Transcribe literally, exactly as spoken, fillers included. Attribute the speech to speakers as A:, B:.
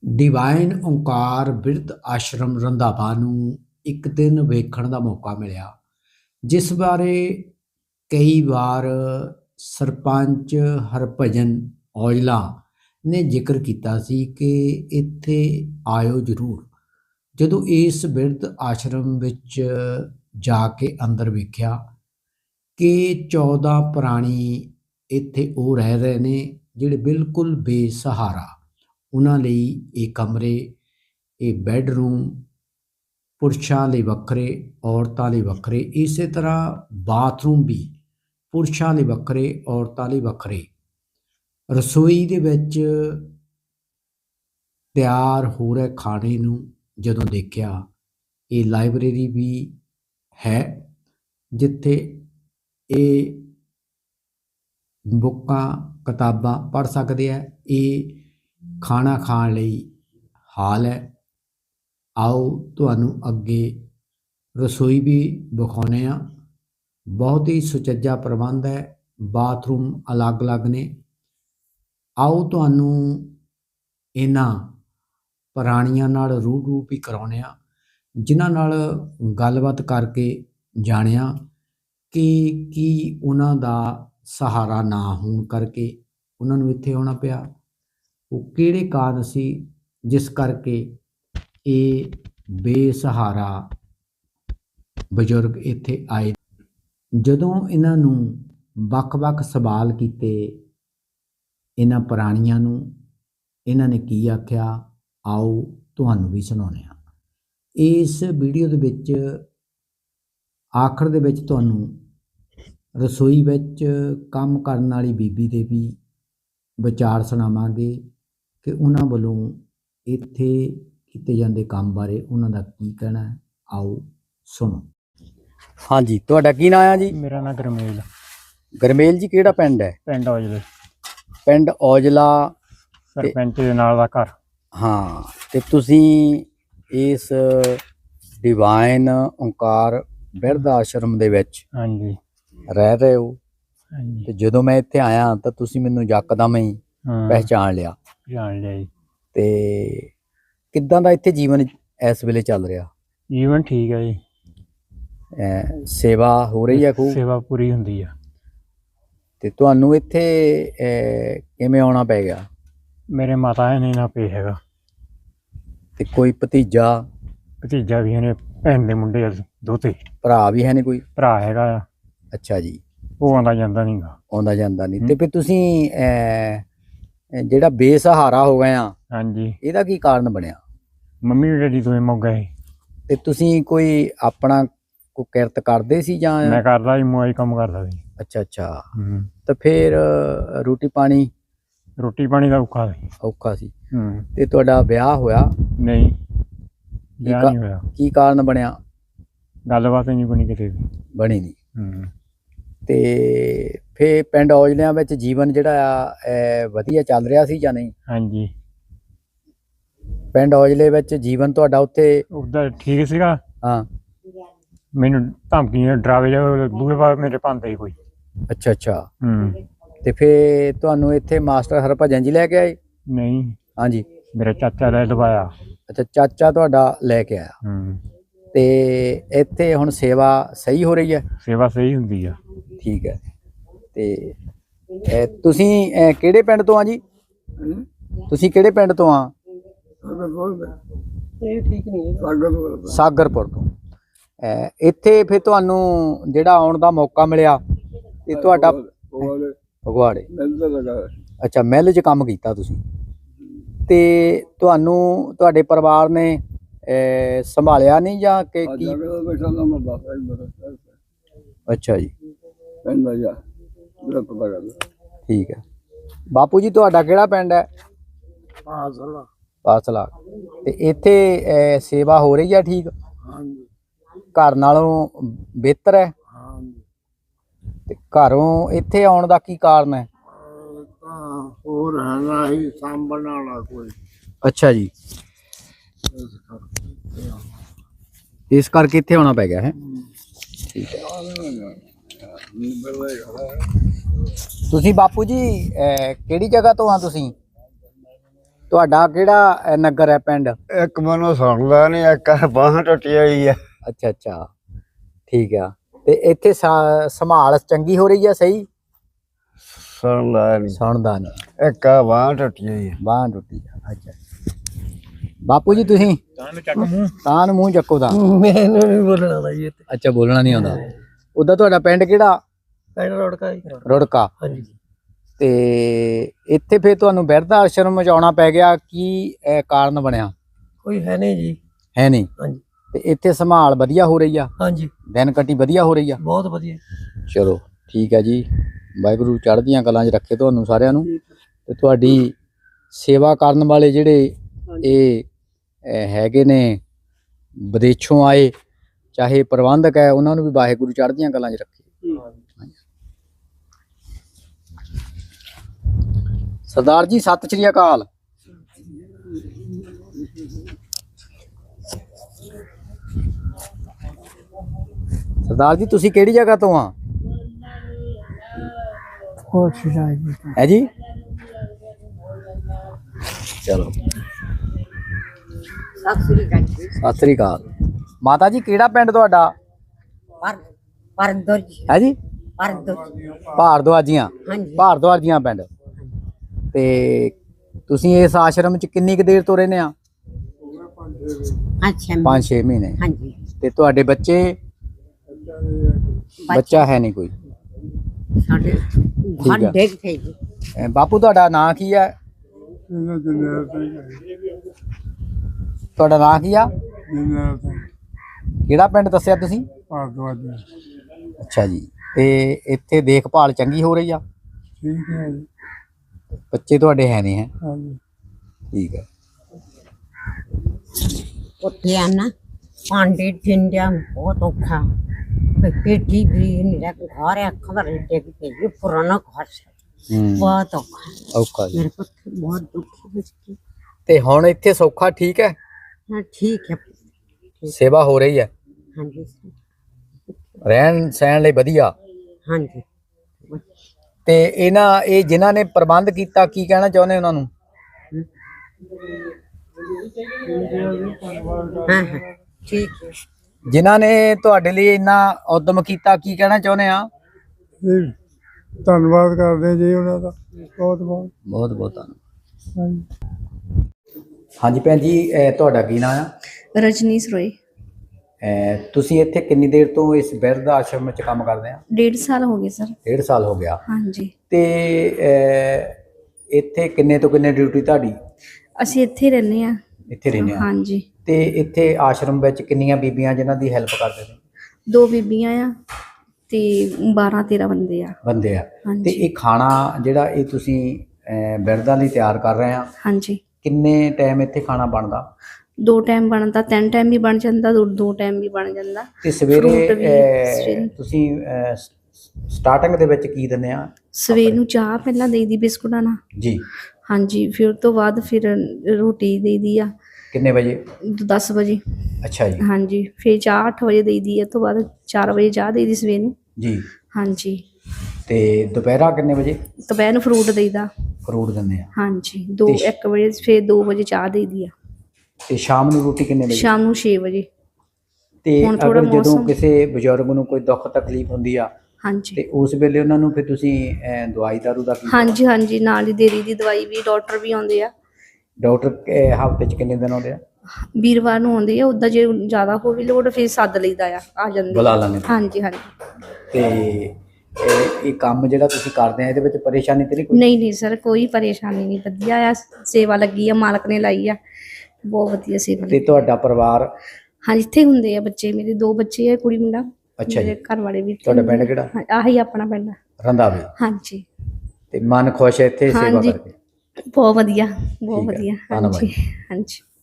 A: Divine Onkar ਬਿਰਧ ਆਸ਼ਰਮ ਰੰਧਾਵਾ ਨੂੰ ਇੱਕ ਦਿਨ ਵੇਖਣ ਦਾ ਮੌਕਾ ਮਿਲਿਆ, ਜਿਸ ਬਾਰੇ ਕਈ ਵਾਰ ਸਰਪੰਚ ਹਰਭਜਨ ਔਜਲਾ ਨੇ ਜ਼ਿਕਰ ਕੀਤਾ ਸੀ ਕਿ ਇੱਥੇ ਆਇਓ ਜ਼ਰੂਰ। ਜਦੋਂ ਇਸ ਬਿਰਧ ਆਸ਼ਰਮ ਵਿੱਚ ਜਾ ਕੇ ਅੰਦਰ ਵੇਖਿਆ ਕਿ ਚੌਦਾਂ ਪ੍ਰਾਣੀ ਇੱਥੇ ਉਹ ਰਹਿ ਰਹੇ ਨੇ ਜਿਹੜੇ ਬਿਲਕੁਲ ਬੇਸਹਾਰਾ। ਉਹਨਾਂ ਲਈ ਇਹ ਕਮਰੇ, ਇਹ ਬੈੱਡਰੂਮ ਪੁਰਸ਼ਾਂ ਲਈ ਵੱਖਰੇ, ਔਰਤਾਂ ਲਈ ਵੱਖਰੇ, ਇਸੇ ਤਰ੍ਹਾਂ ਬਾਥਰੂਮ ਵੀ ਪੁਰਸ਼ਾਂ ਲਈ ਵੱਖਰੇ, ਔਰਤਾਂ ਲਈ ਵੱਖਰੇ। ਰਸੋਈ ਦੇ ਵਿੱਚ ਤਿਆਰ ਹੋ ਰਹੇ ਖਾਣੇ ਨੂੰ ਜਦੋਂ ਦੇਖਿਆ, ਇਹ ਲਾਇਬ੍ਰੇਰੀ ਵੀ ਹੈ ਜਿੱਥੇ ਇਹ ਬੁੱਕਾਂ ਕਿਤਾਬਾਂ ਪੜ੍ਹ ਸਕਦੇ ਆ। ਇਹ ਖਾਣਾ ਖਾਣ ਲਈ ਹਾਲ ਹੈ। ਆਓ ਤੁਹਾਨੂੰ ਅੱਗੇ ਰਸੋਈ ਵੀ ਵਿਖਾਉਂਦੇ ਹਾਂ। ਬਹੁਤ ਹੀ ਸੁਚੱਜਾ ਪ੍ਰਬੰਧ ਹੈ, ਬਾਥਰੂਮ ਅਲੱਗ-ਅਲੱਗ ਨੇ। ਆਓ ਤੁਹਾਨੂੰ ਇਹਨਾਂ ਪ੍ਰਾਣੀਆਂ ਨਾਲ ਰੂਬਰੂ ਵੀ ਕਰਾਉਂਦੇ ਹਾਂ, ਜਿਨ੍ਹਾਂ ਨਾਲ ਗੱਲਬਾਤ ਕਰਕੇ ਜਾਣਿਆ ਕਿ ਕੀ ਉਹਨਾਂ ਦਾ ਸਹਾਰਾ ਨਾ ਹੋਣ ਕਰਕੇ ਉਹਨਾਂ ਨੂੰ ਇੱਥੇ ਆਉਣਾ ਪਿਆ। ਉਹ ਕਿਹੜੇ ਕਾਰਨ ਸੀ ਜਿਸ ਕਰਕੇ ਇਹ ਬੇਸਹਾਰਾ ਬਜ਼ੁਰਗ ਇੱਥੇ ਆਏ। ਜਦੋਂ ਇਹਨਾਂ ਨੂੰ ਵੱਖ-ਵੱਖ ਸਵਾਲ ਕੀਤੇ, ਇਹਨਾਂ ਪ੍ਰਾਣੀਆਂ ਨੂੰ ਇਹਨਾਂ ਨੇ ਕੀ ਆਖਿਆ, ਆਓ ਤੁਹਾਨੂੰ ਵੀ ਸੁਣਾਉਂਦੇ ਹਾਂ। ਇਸ ਵੀਡੀਓ ਦੇ ਵਿੱਚ ਆਖਰ ਦੇ ਵਿੱਚ ਤੁਹਾਨੂੰ ਰਸੋਈ ਵਿੱਚ ਕੰਮ ਕਰਨ ਵਾਲੀ ਬੀਬੀ ਦੇ ਵੀ ਵਿਚਾਰ ਸੁਣਾਵਾਂਗੇ ਕਿ ਉਹਨਾਂ ਵੱਲੋਂ ਇੱਥੇ ਕੀਤੇ ਜਾਂਦੇ ਕੰਮ ਬਾਰੇ ਉਹਨਾਂ ਦਾ ਕੀ ਕਹਿਣਾ ਹੈ। ਆਓ ਸੁਣੋ। ਹਾਂਜੀ, ਤੁਹਾਡਾ ਕੀ ਨਾਮ ਹੈ ਜੀ?
B: ਮੇਰਾ ਨਾਮ ਗਰਮੇਲ।
A: ਗਰਮੇਲ ਜੀ, ਕਿਹੜਾ ਪਿੰਡ ਹੈ?
B: ਪਿੰਡ ਔਜਲੇ।
A: ਪਿੰਡ ਔਜਲਾ,
B: ਸਰਪੰਚ ਦੇ ਨਾਲ ਦਾ ਘਰ।
A: ਹਾਂ, ਤੇ ਤੁਸੀਂ ਇਸ ਡਿਵਾਈਨ ਓਂਕਾਰ ਬਿਰਧ ਆਸ਼ਰਮ ਦੇ ਵਿੱਚ
B: ਹਾਂਜੀ
A: ਰਹਿ ਰਹੇ ਹੋ।
B: ਹਾਂਜੀ
A: ਤੇ ਜਦੋਂ ਮੈਂ ਇੱਥੇ ਆਇਆ ਤਾਂ ਤੁਸੀਂ ਮੈਨੂੰ ਯਕਦਮ ਹੀ
B: ਹਾਂ
A: ਪਹਿਚਾਣ ਲਿਆ।
B: ਜਾਣ ਲਿਆ ਜੀ।
A: ਤੇ ਕਿੱਦਾਂ ਦਾ ਇੱਥੇ ਜੀਵਨ ਇਸ ਵੇਲੇ ਚੱਲ ਰਿਹਾ?
B: ਜੀਵਨ ਠੀਕ ਹੈ ਜੀ।
A: ਅਹ ਸੇਵਾ ਹੋ ਰਹੀ ਹੈ ਖੂਬ?
B: ਸੇਵਾ ਪੂਰੀ ਹੁੰਦੀ ਆ।
A: ਤੇ ਤੁਹਾਨੂੰ ਇੱਥੇ ਅਹ ਕਿਵੇਂ ਆਉਣਾ ਪੈ ਗਿਆ?
B: ਮੇਰੇ ਮਾਤਾ ਨੇ ਨਾ ਪੇ ਹੈਗਾ,
A: ਤੇ ਕੋਈ ਭਤੀਜਾ
B: ਭਤੀਜਾ ਵੀ ਇਹਨੇ, ਭੈਣ ਦੇ ਮੁੰਡੇ ਆ ਦੋਤੇ,
A: ਭਰਾ ਵੀ ਹੈ ਨਹੀਂ ਕੋਈ?
B: ਭਰਾ ਹੈਗਾ ਆ।
A: ਅੱਛਾ ਜੀ।
B: ਉਹ ਆਉਂਦਾ ਜਾਂਦਾ ਨਹੀਂ ਗਾ।
A: ਆਉਂਦਾ ਜਾਂਦਾ ਨਹੀਂ। ਤੇ ਫਿਰ ਤੁਸੀਂ ਅਹ ਜਿਹੜਾ ਬੇਸਹਾਰਾ ਹੋ ਗਏ ਆ,
B: ਹਾਂਜੀ,
A: ਇਹਦਾ ਕੀ ਕਾਰਨ ਬਣਿਆ?
B: ਮੰਮੀ ਡੈਡੀ ਦੋਵੇਂ ਮੁੱਕ ਗਏ।
A: ਤੇ ਤੁਸੀਂ ਕੋਈ ਆਪਣਾ ਕੋਈ ਕਿਰਤ ਕਰਦੇ ਸੀ ਜਾਂ?
B: ਮੈਂ ਕਰਦਾ ਸੀ, ਮੋਈ ਕੰਮ ਕਰਦਾ ਸੀ।
A: ਅੱਛਾ ਅੱਛਾ।
B: ਹੂੰ।
A: ਤਾਂ ਫਿਰ ਰੋਟੀ ਪਾਣੀ?
B: ਰੋਟੀ ਪਾਣੀ ਦਾ ਔਖਾ ਸੀ।
A: ਔਖਾ ਸੀ।
B: ਹੂੰ।
A: ਤੇ ਤੁਹਾਡਾ ਵਿਆਹ ਹੋਇਆ?
B: ਨਹੀਂ, ਵਿਆਹ ਨਹੀਂ ਹੋਇਆ।
A: ਕੀ ਕਾਰਨ ਬਣਿਆ?
B: ਗੱਲਬਾਤ ਨਹੀਂ ਬਣੀ ਕਿਤੇ ਵੀ।
A: ਬਣੀ ਨਹੀਂ।
B: ਹੂੰ।
A: ਤੇ ਫੇ ਪਿੰਡ ਔਜਲਿਆਂ ਵਿੱਚ ਜੀਵਨ ਜਿਹੜਾ ਆ ਵਧੀਆ ਚੱਲ ਰਿਹਾ ਸੀ ਜਾਂ ਨਹੀਂ?
B: ਹਾਂਜੀ,
A: ਪਿੰਡ ਔਜਲੇ ਵਿੱਚ ਜੀਵਨ ਤੁਹਾਡਾ ਉੱਥੇ
B: ਉਹਦਾ ਠੀਕ ਸੀਗਾ।
A: ਹਾਂ।
B: ਮੈਨੂੰ ਧਮਕੀਆਂ ਡਰਾਵੇ ਜਾ ਦੂਏ ਬਾਰ ਮੇਰੇ ਪਾਉਂਦੇ ਸੀ ਕੋਈ।
A: ਅੱਛਾ ਅੱਛਾ।
B: ਹੂੰ।
A: ਤੇ ਫੇ ਤੁਹਾਨੂੰ ਇੱਥੇ ਮਾਸਟਰ ਹਰਭਜਨ ਜੀ ਲੈ ਕੇ ਆਏ?
B: ਨਹੀਂ,
A: ਹਾਂਜੀ।
B: ਮੇਰਾ ਚਾਚਾ ਲੈ ਲਵਾਇਆ।
A: ਅੱਛਾ, ਚਾਚਾ ਤੁਹਾਡਾ ਲੈ ਕੇ ਆਇਆ।
B: ਹੂੰ।
A: ਤੇ ਇੱਥੇ ਹੁਣ ਸੇਵਾ ਸਹੀ ਹੋ ਰਹੀ ਹੈ?
B: ਸੇਵਾ ਸਹੀ ਹੁੰਦੀ ਆ।
A: ਠੀਕ ਹੈ। ਤੇ ਇਹ ਤੁਸੀਂ ਇਹ ਕਿਹੜੇ ਪਿੰਡ ਤੋਂ ਆ ਜੀ? ਤੁਸੀਂ ਕਿਹੜੇ ਪਿੰਡ ਤੋਂ ਆ?
B: ਇਹ ਠੀਕ ਨਹੀਂ ਹੈ।
A: ਸਾਗਰਪੁਰ ਤੋਂ। ਇਹ ਇੱਥੇ ਫਿਰ ਤੁਹਾਨੂੰ ਜਿਹੜਾ ਆਉਣ ਦਾ ਮੌਕਾ ਮਿਲਿਆ ਤੇ ਤੁਹਾਡਾ ਫਗਵਾੜੇ? ਅੱਛਾ, ਮਿੱਲ 'ਚ ਕੰਮ ਕੀਤਾ ਤੁਸੀਂ। ਤੇ ਤੁਹਾਨੂੰ ਤੁਹਾਡੇ ਪਰਿਵਾਰ ਨੇ ਸੰਭਾਲਿਆ ਨਹੀਂ ਜਾਂ ਕਿ ਕੀ? ਅੱਛਾ ਜੀ। ਠੀਕ ਹੈ। ਬਾਪੂ ਜੀ, ਤੁਹਾਡਾ ਕਿਹੜਾ ਪਿੰਡ ਹੈ?
B: ਪਾਸਲਾ।
A: ਪਾਸਲਾ। ਤੇ ਇੱਥੇ ਸੇਵਾ ਹੋ ਰਹੀ ਹੈ ਠੀਕ?
B: ਹਾਂਜੀ।
A: ਘਰ ਨਾਲੋਂ ਬਿਹਤਰ ਹੈ?
B: ਹਾਂਜੀ।
A: ਤੇ ਘਰੋਂ ਇੱਥੇ ਆਉਣ ਦਾ ਕੀ ਕਾਰਨ ਹੈ?
B: ਤਾਂ ਹੋਰ ਹੈਗਾ ਹੀ ਸਾਂਭਣ ਵਾਲਾ ਕੋਈ।
A: ਅੱਛਾ ਜੀ, ਇਸ ਕਰਕੇ ਇੱਥੇ ਆਉਣਾ ਪੈ ਗਿਆ ਹੈ। ਠੀਕ ਹੈ। ਤੁਸੀਂ ਬਾਪੂ ਜੀ ਕਿਹੜੀ ਜਗ੍ਹਾ ਤੋਂ ਆ ਤੁਸੀਂ? ਤੁਹਾਡਾ ਕਿਹੜਾ ਅਹ, ਨਗਰ ਹੈ ਪਿੰਡ?
C: ਇੱਕ ਮੈਨੂੰ ਸੁਣਦਾ ਨਹੀਂ, ਇੱਕ ਬਾਹਾਂ ਟੁੱਟੀ ਹੋਈ ਆ।
A: ਅੱਛਾ ਅੱਛਾ ਠੀਕ ਆ। ਤੇ ਇੱਥੇ ਸਾ- ਸੰਭਾਲ ਚੰਗੀ ਹੋ ਰਹੀ ਆ? ਸਹੀ
C: ਸੁਣਦਾ ਨਹੀਂ,
A: ਸੁਣਦਾ ਨਹੀਂ,
C: ਇੱਕ ਬਾਹਾਂ ਟੁੱਟੀ ਹੋਈ ਆ।
A: ਬਾਂਹ ਟੁੱਟੀ ਆ। ਅੱਛਾ ਬਾਪੂ ਜੀ ਤੁਸੀਂ
B: ਚੱਕ ਮੂੰਹ
A: ਤਾਂ ਨੂੰ ਮੂੰਹ ਚੱਕੋ ਤਾਂ।
D: ਮੈਨੂੰ ਨਹੀਂ ਬੋਲਣਾ ਆਉਂਦਾ ਜੀ ਇੱਥੇ।
A: ਅੱਛਾ ਬੋਲਣਾ ਨਹੀਂ ਆਉਂਦਾ। ਉਦਾਂ ਤੁਹਾਡਾ ਪਿੰਡ ਕਿਹੜਾ?
D: ਪਿੰਡ ਰੋੜਕਾ ਜੀ।
A: ਰੁੜਕਾ।
D: ਹਾਂਜੀ।
A: ਤੇ ਇੱਥੇ ਫਿਰ ਤੁਹਾਨੂੰ ਬਿਰਧ ਆਸ਼ਰਮ ਚ ਆਉਣਾ ਪੈ ਗਿਆ, ਕੀ ਅਹ, ਕਾਰਨ ਬਣਿਆ?
D: ਕੋਈ ਹੈ ਨਹੀਂ ਜੀ।
A: ਹੈ ਨਹੀਂ?
D: ਹਾਂਜੀ।
A: ਤੇ ਇੱਥੇ ਸੰਭਾਲ ਵਧੀਆ ਹੋ ਰਹੀ ਆ?
D: ਹਾਂਜੀ
A: ਦਿਨ ਕੱਟੀ ਵਧੀਆ ਹੋ ਰਹੀ ਆ?
D: ਬਹੁਤ ਵਧੀਆ।
A: ਚਲੋ ਠੀਕ ਹੈ ਜੀ, ਵਾਹਿਗੁਰੂ ਚੜ੍ਹਦੀਆਂ ਕਲਾਂ 'ਚ ਰੱਖੇ ਤੁਹਾਨੂੰ ਸਾਰਿਆਂ ਨੂੰ। ਤੇ ਤੁਹਾਡੀ ਸੇਵਾ ਕਰਨ ਵਾਲੇ ਜਿਹੜੇ ਇਹ ਅਹ, ਹੈਗੇ ਨੇ ਵਿਦੇਸ਼ੋਂ ਆਏ, ਚਾਹੇ ਪ੍ਰਬੰਧਕ ਹੈ, ਉਹਨਾਂ ਨੂੰ ਵੀ ਵਾਹਿਗੁਰੂ ਚੜ੍ਹਦੀਆਂ ਕਲਾਂ 'ਚ ਰੱਖੇ। ਸਰਦਾਰ ਜੀ ਸਤਿ ਸ਼੍ਰੀ ਅਕਾਲ। ਸਰਦਾਰ ਜੀ ਤੁਸੀਂ ਕਿਹੜੀ ਜਗ੍ਹਾ ਤੋਂ ਆ? ਹੈ ਜੀ? ਚਲੋ
E: ਸਤਿ ਸ੍ਰੀ ਅਕਾਲ ਜੀ।
A: ਸਤਿ ਸ੍ਰੀ ਅਕਾਲ। ਮਾਤਾ ਜੀ ਕਿਹੜਾ ਪਿੰਡ ਤੁਹਾਡਾ?
E: ਪਰ ਪਰਦੋਰ ਜੀ।
A: ਹੈ ਜੀ?
E: ਪਰਦੋਰ।
A: ਭਾਰਦਵਾਜੀਆਂ।
E: ਹਾਂਜੀ।
A: ਭਾਰਦਵਾਜੀਆਂ ਪਿੰਡ। ਤੇ ਤੁਸੀਂ ਇਸ ਆਸ਼ਰਮ ਚ ਕਿੰਨੀ ਕੁ ਦੇਰ ਤੋਂ ਰਹਿੰਦੇ ਆ?
E: ਅੱਛਾ।
A: ਪੰਜ ਛੇ ਮਹੀਨੇ।
E: ਹਾਂਜੀ।
A: ਤੇ ਤੁਹਾਡੇ ਬੱਚੇ? ਬੱਚਾ ਹੈ ਨਹੀਂ ਕੋਈ?
E: ਸਾਡੇ
A: ਠੀਕ ਆ।
E: ਘਰ ਡੇਗ ਤੇ ਜੀ।
A: ਅਹ ਬਾਪੂ ਤੁਹਾਡਾ ਨਾਂ ਕੀ ਹੈ? ਤੁਹਾਡਾ ਨਾਂ ਕੀ ਆ? ਕਿਹੜਾ ਪਿੰਡ ਦੱਸਿਆ ਤੁਸੀਂ? ਅੱਛਾ ਜੀ। ਤੇ ਇੱਥੇ ਦੇਖਭਾਲ ਚੰਗੀ ਹੋ ਰਹੀ ਆ?
C: ਠੀਕ ਹੈ ਜੀ।
A: ਬੱਚੇ ਤੁਹਾਡੇ ਹੈ ਨਹੀਂ? ਹੈ
C: ਹਾਂਜੀ।
A: ਠੀਕ ਹੈ।
E: ਉੱਥੇ ਆ ਨਾ ਪਾਂਡੇ ਠਿੰਡਿਆ ਬਹੁਤ ਔਖਾ। ਕੋਈ ਪੇਟੀ ਵੀ ਨਹੀਂ ਰੱਖ ਘਰ ਆ ਖਬਰ ਡੇਗ ਤੇ ਜੀ ਪੁਰਾਣਾ ਘਰ ਸੀ।
A: ਹੂੰ
E: ਬਹੁਤ ਔਖਾ।
A: ਔਖਾ ਜੀ।
E: ਮੇਰੇ ਪੁੱਤ ਬਹੁਤ ਦੁਖੀ ਵਿੱਚ।
A: ਤੇ ਹੁਣ ਇੱਥੇ ਸੌਖਾ ਠੀਕ ਹੈ?
E: ਹਾਂ ਠੀਕ ਹੈ।
A: ਸੇਵਾ ਹੋ ਰਹੀ ਹੈ?
E: ਹਾਂਜੀ
A: ਰਹਿਣ ਸਹਿਣ ਲਈ ਵਧੀਆ?
E: ਹਾਂਜੀ।
A: ਤੇ ਇਹਨਾਂ ਇਹ ਜਿਨ੍ਹਾਂ ਨੇ ਪ੍ਰਬੰਧ ਕੀਤਾ, ਕੀ ਕਹਿਣਾ ਚਾਹੁੰਦੇ ਉਹਨਾਂ ਨੂੰ?
E: ਹਾਂ ਹਾਂ ਠੀਕ ਹੈ।
A: ਜਿਨ੍ਹਾਂ ਨੇ ਤੁਹਾਡੇ ਲਈ ਇੰਨਾ ਉਦਮ ਕੀਤਾ, ਕੀ ਕਹਿਣਾ ਚਾਹੁੰਦੇ ਆ?
C: ਧੰਨਵਾਦ ਕਰਦੇ ਜੀ ਉਹਨਾਂ ਦਾ ਬਹੁਤ ਬਹੁਤ।
A: ਬਹੁਤ ਬਹੁਤ ਧੰਨਵਾਦ।
C: ਹਾਂਜੀ।
A: ਹਾਂਜੀ ਭੈਣ ਜੀ, ਅਹ ਤੁਹਾਡਾ ਕੀ ਨਾਮ ਆ?
F: ਰਜਨੀਸ਼ ਰੋਏ।
A: ਅਹ ਤੁਸੀਂ ਇੱਥੇ ਕਿੰਨੀ ਦੇਰ ਤੋਂ ਇਸ ਬਿਰਧ ਆਸ਼ਰਮ ਵਿੱਚ ਕੰਮ ਕਰਦੇ ਆ?
F: ਡੇਢ ਸਾਲ ਹੋ ਗਏ ਸਰ।
A: ਡੇਢ ਸਾਲ ਹੋ ਗਿਆ।
F: ਹਾਂਜੀ।
A: ਤੇ ਅਹ ਇੱਥੇ ਕਿੰਨੇ ਤੋਂ ਕਿੰਨੇ ਡਿਊਟੀ ਤੁਹਾਡੀ?
F: ਅਸੀਂ ਇੱਥੇ ਰਹਿੰਦੇ ਆ।
A: ਇੱਥੇ ਰਹਿੰਦੇ ਆ?
F: ਹਾਂਜੀ।
A: ਤੇ ਇੱਥੇ ਆਸ਼ਰਮ ਵਿੱਚ ਕਿੰਨੀਆਂ ਬੀਬੀਆਂ ਜਿਨ੍ਹਾਂ ਦੀ ਹੈਲਪ ਕਰਦੇ ਨੇ?
F: ਦੋ ਬੀਬੀਆਂ ਆ ਤੇ ਬਾਰਾਂ ਤੇਰਾਂ ਬੰਦੇ ਆ।
A: ਬੰਦੇ ਆ। ਤੇ
F: ਹਾਂਜੀ
A: ਇਹ ਖਾਣਾ ਜਿਹੜਾ ਇਹ ਤੁਸੀਂ ਅਹ ਬਿਰਧਾਂ ਲਈ ਤਿਆਰ ਕਰ ਰਹੇ ਆ,
F: ਹਾਂਜੀ।
A: ਕਿੰਨੇ ਟਾਈਮ ਇੱਥੇ ਖਾਣਾ ਬਣਦਾ?
F: ਦੋ ਟਾਈਮ ਬਣਦਾ, ਤਿੰਨ ਟਾਈਮ ਵੀ ਬਣ ਜਾਂਦਾ, ਦੋ ਦੋ ਟਾਈਮ ਵੀ ਬਣ ਜਾਂਦਾ।
A: ਤੇ ਸਵੇਰੇ
F: Fruit ਵੀ
A: ਅਹ,
F: ਸਵੇਰੇ।
A: ਤੁਸੀਂ ਸਟਾਰਟਿੰਗ ਦੇ ਵਿੱਚ ਕੀ ਦਿੰਦੇ ਆ?
F: ਸਵੇਰ ਨੂੰ ਚਾਹ ਪਹਿਲਾਂ ਦੇਈਦੀ ਬਿਸਕੁਟਾਂ ਨਾਲ।
A: ਜੀ।
F: ਹਾਂਜੀ। ਫਿਰ ਉਸ ਤੋਂ ਬਾਅਦ ਫਿਰ ਰੋਟੀ ਦੇਈਦੀ ਆ
A: ਕਿੰਨੇ ਵਜੇ?
F: ਦਸ ਵਜੇ।
A: ਅੱਛਾ ਜੀ।
F: ਹਾਂਜੀ। ਫਿਰ ਚਾਹ ਅੱਠ ਵਜੇ ਦੇਈਦੀ ਆ। ਉਸ ਤੋਂ ਬਾਅਦ ਚਾਰ ਵਜੇ ਚਾਹ ਦੇਈਦੀ ਸਵੇਰ ਨੂੰ।
A: ਜੀ।
F: ਹਾਂਜੀ।
A: ਤੇ ਦੁਪਹਿਰਾ ਕਿੰਨੇ ਵਜੇ?
F: ਦੁਪਹਿਰ ਨੂੰ ਫਰੂਟ ਦੇਈਦਾ।
A: ਫਰੂਟ ਦਿੰਦੇ ਆ।
F: ਹਾਂਜੀ। ਦੋ
A: ਤੇ ਸ਼-
F: ਇੱਕ ਵਜੇ ਫਿਰ ਦੋ ਵਜੇ ਚਾਹ ਦੇਈਦੀ ਆ।
A: ਤੇ ਸ਼ਾਮ ਨੂੰ ਰੋਟੀ ਕਿੰਨੇ ਵਜੇ?
F: ਸ਼ਾਮ ਨੂੰ ਛੇ ਵਜੇ।
A: ਤੇ
F: ਹੁਣ ਥੋੜ੍ਹਾ
A: ਅਗਰ ਜਦੋਂ
F: ਮੌਸਮ-
A: ਕਿਸੇ ਬਜ਼ੁਰਗ ਨੂੰ ਕੋਈ ਦੁੱਖ ਤਕਲੀਫ ਹੁੰਦੀ ਆ
F: ਹਾਂਜੀ
A: ਤੇ ਉਸ ਵੇਲੇ ਉਹਨਾਂ ਨੂੰ ਫਿਰ ਤੁਸੀਂ ਅਹ, ਦਵਾਈ ਦਾਰੂ ਦਾ ਕੀ?
F: ਹਾਂਜੀ ਹਾਂਜੀ ਨਾਲ ਹੀ ਦੇ ਦੀ ਦੀ ਦਵਾਈ ਵੀ। ਡਾਕਟਰ ਵੀ ਆਉਂਦੇ ਆ।
A: ਡਾਕਟਰ ਹਫ਼ਤੇ 'ਚ ਕਿੰਨੇ ਦਿਨ ਆਉਂਦੇ ਆ?
F: ਵੀਰਵਾਰ ਨੂੰ ਆਉਂਦੇ ਆ। ਉੱਦਾਂ ਜੇ ਜ਼ਿਆਦਾ ਹੋਵੇ ਲੋੜ ਫਿਰ ਸੱਦ ਲਈਦਾ ਆ ਆ ਜਾਂਦੇ
A: ਬੁਲਾ
F: ਆ।
A: ਲੈਂਦੇ?
F: ਹਾਂਜੀ ਹਾਂਜੀ।
A: ਤੇ ਇਹ ਇਹ ਕੰਮ ਜਿਹੜਾ ਤੁਸੀਂ ਕਰਦੇ ਆ, ਇਹਦੇ ਵਿੱਚ ਪਰੇਸ਼ਾਨੀ ਤੇ ਨਹੀਂ ਕੋਈ?
F: ਨਹੀਂ ਨਹੀਂ ਸਰ, ਕੋਈ ਪਰੇਸ਼ਾਨੀ ਨਹੀਂ। ਵਧੀਆ ਆ, ਸੇਵਾ ਲੱਗੀ ਆ, ਮਾਲਕ ਨੇ ਲਾਈ ਆ। ਬਹੁਤ ਵਧੀਆ ਸੇਵਾ
A: ਤੇ
F: ਲੱਗੀ।
A: ਤੁਹਾਡਾ ਪਰਿਵਾਰ?
F: ਹਾਂਜੀ ਇੱਥੇ ਹੁੰਦੇ ਆ ਬੱਚੇ ਮੇਰੇ, ਦੋ ਬੱਚੇ ਆ, ਕੁੜੀ ਮੁੰਡਾ।
A: ਅੱਛਾ ਜੀ।
F: ਮੇਰੇ ਘਰ ਵਾਲੇ ਵੀ ਇੱਥੇ
A: ਤੁਹਾਡਾ
F: ਹੁੰਦੇ
A: ਪਿੰਡ
F: ਆ।
A: ਕਿਹੜਾ?
F: ਹਾਂ, ਆਹੀ ਆਪਣਾ ਪਿੰਡ ਆ।
A: ਰੰਧਾਵੇ।
F: ਹਾਂਜੀ।
A: ਤੇ ਮਨ ਖੁਸ਼ ਹੈ ਇੱਥੇ ਸੇਵਾ
F: ਹਾਂਜੀ
A: ਕਰਕੇ?
F: ਬਹੁਤ ਵਧੀਆ, ਬਹੁਤ
A: ਠੀਕ ਹੈ,
F: ਵਧੀਆ।
A: ਧੰਨਵਾਦ
F: ਹਾਂਜੀ
A: ਜੀ।
F: ਹਾਂਜੀ।